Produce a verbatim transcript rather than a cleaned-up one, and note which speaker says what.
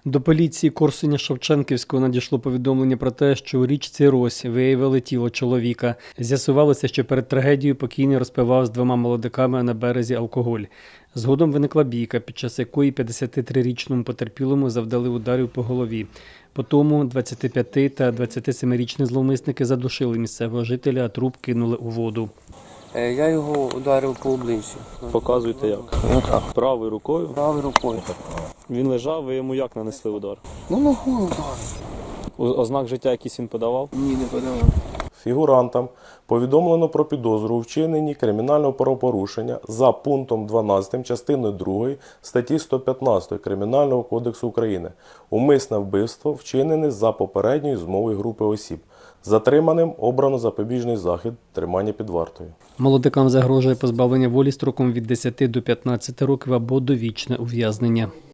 Speaker 1: До поліції Корсуня-Шевченківського надійшло повідомлення про те, що у річці Рось виявили тіло чоловіка. З'ясувалося, що перед трагедією покійний розпивав з двома молодиками на березі алкоголь. Згодом виникла бійка, під час якої п'ятдесятитрирічному потерпілому завдали ударів по голові. Потому двадцятип'яти- та двадцятисемирічні зловмисники задушили місцевого жителя, а труп кинули у воду.
Speaker 2: Я його ударив по обличчю.
Speaker 3: Показуйте як?
Speaker 2: Ну так.
Speaker 3: Правою рукою?
Speaker 2: Правою рукою.
Speaker 3: Він лежав, ви йому як нанесли удар?
Speaker 2: Ну, ногою ударив.
Speaker 3: О- Ознак життя якийсь він подавав?
Speaker 2: Ні, не подавав.
Speaker 4: Фігурантам повідомлено про підозру у вчиненні кримінального правопорушення за пунктом дванадцятим частиною другої статті сто п'ятнадцять Кримінального кодексу України. Умисне вбивство вчинене за попередньою змовою групи осіб. Затриманим обрано запобіжний захід тримання під вартою.
Speaker 1: Молодикам загрожує позбавлення волі строком від десяти до п'ятнадцяти років або довічне ув'язнення.